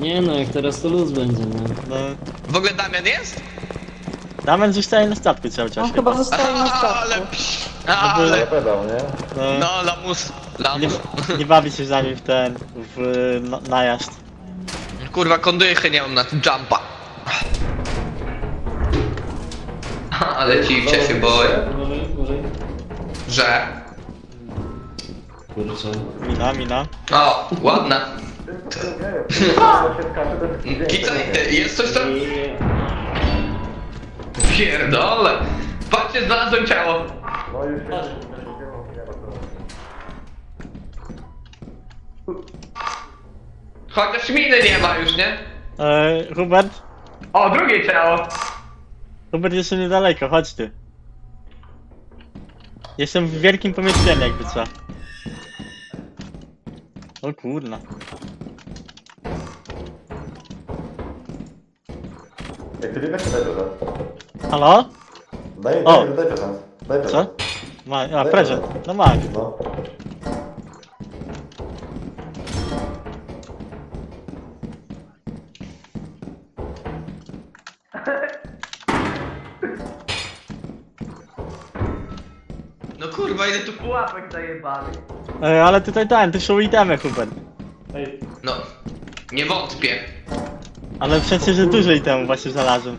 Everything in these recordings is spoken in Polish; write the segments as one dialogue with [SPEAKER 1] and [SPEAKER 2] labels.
[SPEAKER 1] Nie no, jak teraz to luz będzie, no.
[SPEAKER 2] No.
[SPEAKER 3] W ogóle Damian jest?
[SPEAKER 2] Damian zostaje na statku cały czas.
[SPEAKER 4] On chyba zostaje na
[SPEAKER 3] Ale
[SPEAKER 4] statku.
[SPEAKER 3] ale...
[SPEAKER 5] Pedał, nie?
[SPEAKER 2] No,
[SPEAKER 3] No, lamus.
[SPEAKER 2] nie,
[SPEAKER 3] Lamus.
[SPEAKER 2] nie bawi się z nami najazd.
[SPEAKER 3] Kurwa, kondychy nie mam na tym jumpa. Ale ciwcie się boję,
[SPEAKER 1] Uważaj.
[SPEAKER 3] że...
[SPEAKER 1] Kurczę.
[SPEAKER 2] Mina.
[SPEAKER 3] O, ładna.
[SPEAKER 5] się skacze, to jest
[SPEAKER 3] Kita, jest coś tam? Pierdole. Patrzcie, znalazłem ciało.
[SPEAKER 5] No już się...
[SPEAKER 3] Chociaż miny nie ma już, nie?
[SPEAKER 2] Hubert?
[SPEAKER 3] O, drugie ciało.
[SPEAKER 2] Hubert jeszcze niedaleko, chodź ty. Jestem w wielkim pomieszczeniu jakby co. O kurna.
[SPEAKER 5] Jak ty nie weź, daj prezent.
[SPEAKER 2] Halo?
[SPEAKER 5] Daj
[SPEAKER 2] O.
[SPEAKER 5] prezent. Daj prezent.
[SPEAKER 2] Co? A, prezent. No masz.
[SPEAKER 5] No.
[SPEAKER 3] No kurwa, ile tu pułapek zajebali.
[SPEAKER 2] Ale tutaj tu są itemy Hubert.
[SPEAKER 3] No, nie wątpię.
[SPEAKER 2] Ale w sensie, że dużo itemów właśnie znalazłem.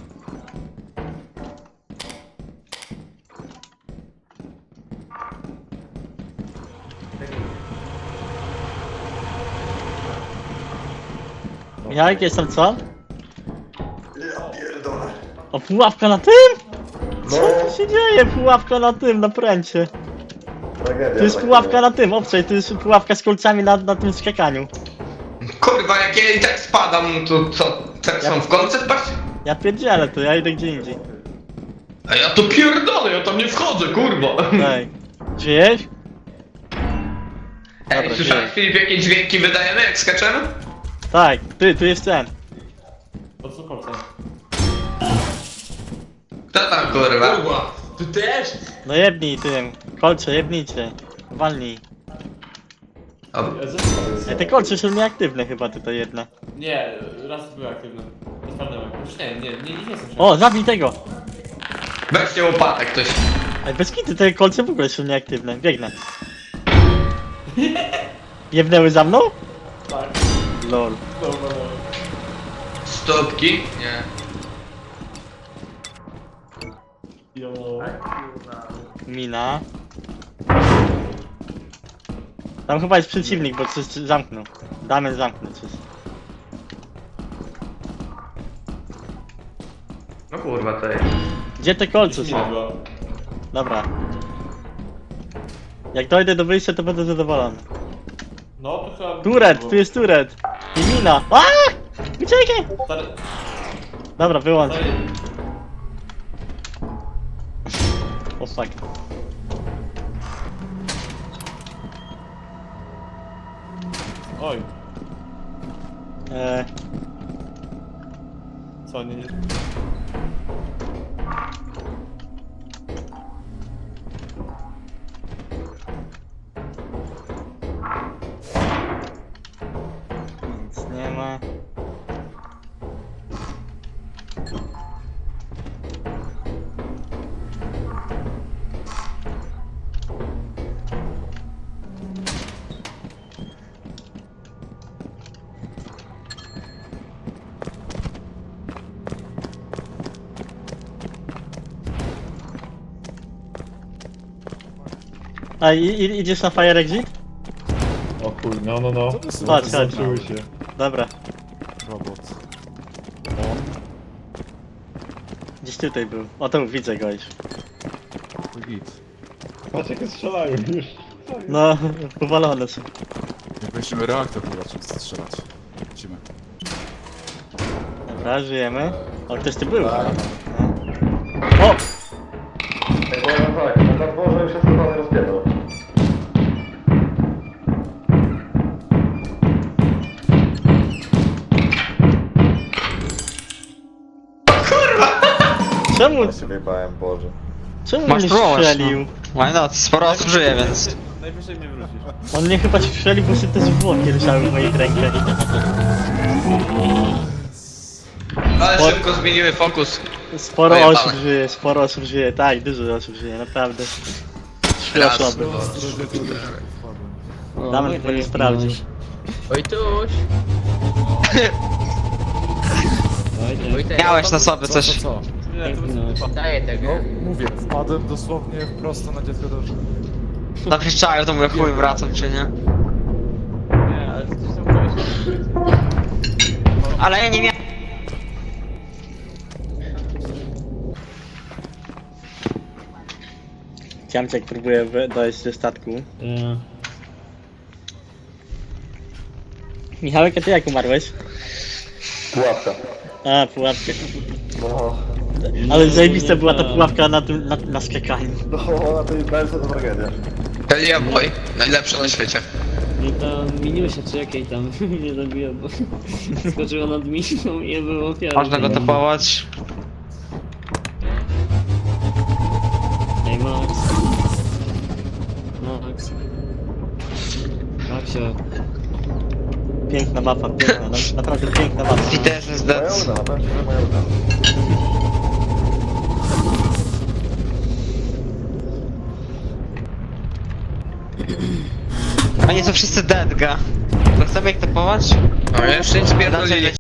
[SPEAKER 2] Michałek, jest tam co?
[SPEAKER 5] Ja pierdolę.
[SPEAKER 2] O, pułapka na tym? Co
[SPEAKER 5] No,
[SPEAKER 2] tu się dzieje? Pułapka na tym, na pręcie.
[SPEAKER 5] tragedia.
[SPEAKER 2] Tu jest
[SPEAKER 5] tak
[SPEAKER 2] pułapka
[SPEAKER 5] powiem.
[SPEAKER 2] na tym, obczaj, tu jest pułapka z kolcami na tym skakaniu.
[SPEAKER 3] Kurwa, jak ja i tak spadam, to co? Tak są w kolce patrz?
[SPEAKER 2] Ja pierdzielę to, ja idę gdzie indziej.
[SPEAKER 3] A ja to pierdolę, ja tam nie wchodzę, kurwa.
[SPEAKER 2] Daj. Żyjesz?
[SPEAKER 3] Ej,
[SPEAKER 2] Dobra,
[SPEAKER 3] słyszałeś,
[SPEAKER 2] żyję.
[SPEAKER 3] Filip, jakie dźwięki wydajemy, jak skaczemy?
[SPEAKER 2] Tak, tu jest ten.
[SPEAKER 3] Kto tam, kurwa?
[SPEAKER 1] Ty też?
[SPEAKER 2] No jebnij tym, kolcze, jebnijcie. Walnij.
[SPEAKER 3] O,
[SPEAKER 2] Ej, te kolce są nieaktywne chyba tutaj jedne.
[SPEAKER 6] Nie, raz były aktywne. Sprawdzałem. Już nie są.
[SPEAKER 2] O, zabij tego!
[SPEAKER 3] weźcie łopatę ktoś.
[SPEAKER 2] Ej, bez kity te kolce w ogóle są nieaktywne, biegnę. Jebnęły za mną?
[SPEAKER 6] Tak.
[SPEAKER 2] Lol.
[SPEAKER 3] Stópki? Nie.
[SPEAKER 6] Jo.
[SPEAKER 2] Mina. Tam chyba jest przeciwnik, bo coś zamknął. Damy zamknąć coś.
[SPEAKER 3] No kurwa, to jest.
[SPEAKER 2] Gdzie te kolce są? Dobra. Jak dojdę do wyjścia, to będę zadowolony.
[SPEAKER 6] No to trzeba...
[SPEAKER 2] Turet, tu jest turet. I mina. Aaaa! Uciekaj!
[SPEAKER 6] Stary...
[SPEAKER 2] Dobra, wyłącz.
[SPEAKER 6] Stary...
[SPEAKER 2] O fuck.
[SPEAKER 6] Oj.
[SPEAKER 2] Eee,
[SPEAKER 6] Co, nie...
[SPEAKER 2] nic nie ma. A idziesz na fire exit?
[SPEAKER 7] O chuj, no.
[SPEAKER 2] Chodź.
[SPEAKER 7] Zobaczyły się.
[SPEAKER 2] Dobra,
[SPEAKER 7] Robot.
[SPEAKER 2] gdzieś tutaj był. O, to widzę go już.
[SPEAKER 7] Git. Patrz jakie strzelają już.
[SPEAKER 2] No, powalone są.
[SPEAKER 8] Jak weźmiemy reaktor, chyba trzeba strzelać. Lecimy.
[SPEAKER 2] Dobra, żyjemy. O, ktoś tu był.
[SPEAKER 5] Tak.
[SPEAKER 2] No. O!
[SPEAKER 5] Ej, powiem tak, na dworze już jest totalny rozpierdol.
[SPEAKER 2] Czemu,
[SPEAKER 5] Ja się wyjebałem, Boże.
[SPEAKER 2] czemu
[SPEAKER 9] Masz
[SPEAKER 2] mnie
[SPEAKER 9] próbować,
[SPEAKER 2] strzelił?
[SPEAKER 9] Why not? Sporo osób żyje, więc...
[SPEAKER 6] Najwyżej mnie wrócisz.
[SPEAKER 2] On mnie chyba strzelił, bo się te zwłoki leżały w moich rękach.
[SPEAKER 3] Ale szybko zmieniły fokus.
[SPEAKER 2] Sporo
[SPEAKER 3] Pojebane.
[SPEAKER 2] osób żyje, tak, dużo osób żyje, naprawdę. Szkoda
[SPEAKER 3] Raz.
[SPEAKER 2] słaby.
[SPEAKER 1] O,
[SPEAKER 2] Damy
[SPEAKER 1] Wojtek,
[SPEAKER 2] chyba nie
[SPEAKER 1] jak
[SPEAKER 2] sprawdził.
[SPEAKER 1] minąłeś.
[SPEAKER 4] Wojtuś!
[SPEAKER 1] Wojtek,
[SPEAKER 9] Miałeś na sobie coś.
[SPEAKER 8] Co?
[SPEAKER 1] jak minąłeś.
[SPEAKER 4] Daję tego.
[SPEAKER 8] No, mówię, wpadłem dosłownie prosto na dziecko do życia.
[SPEAKER 9] Na przyczaju to mówię, chuj, wracam czy nie.
[SPEAKER 4] Nie, ale to są kogoś.
[SPEAKER 9] Ale ja nie miałem...
[SPEAKER 2] Ciamciak próbuje dojść do statku. Michałek, a ty jak umarłeś?
[SPEAKER 5] Pułapka.
[SPEAKER 2] A, pułapkę.
[SPEAKER 5] No,
[SPEAKER 2] Ale zajebista była ta pułapka na skakaniu.
[SPEAKER 5] no na tej belce to tragedia.
[SPEAKER 3] Kalia Boy, najlepsza na świecie.
[SPEAKER 1] No to Miniusia, czy jakiej tam nie zabiła, bo skoczyła nad Minią i był ofiarą.
[SPEAKER 9] Można go tapować.
[SPEAKER 1] Ej, Max. Max. Maxio.
[SPEAKER 2] Piękna mapa, piękna, naprawdę piękna mapa.
[SPEAKER 9] Fitness is
[SPEAKER 5] Moja
[SPEAKER 9] dead.
[SPEAKER 5] uda, powiem ci, że moja uda.
[SPEAKER 9] Oni są wszyscy dead, ga. To chcemy ich tapować?
[SPEAKER 3] No jeszcze nic
[SPEAKER 9] Znaczy,
[SPEAKER 3] pierdolili.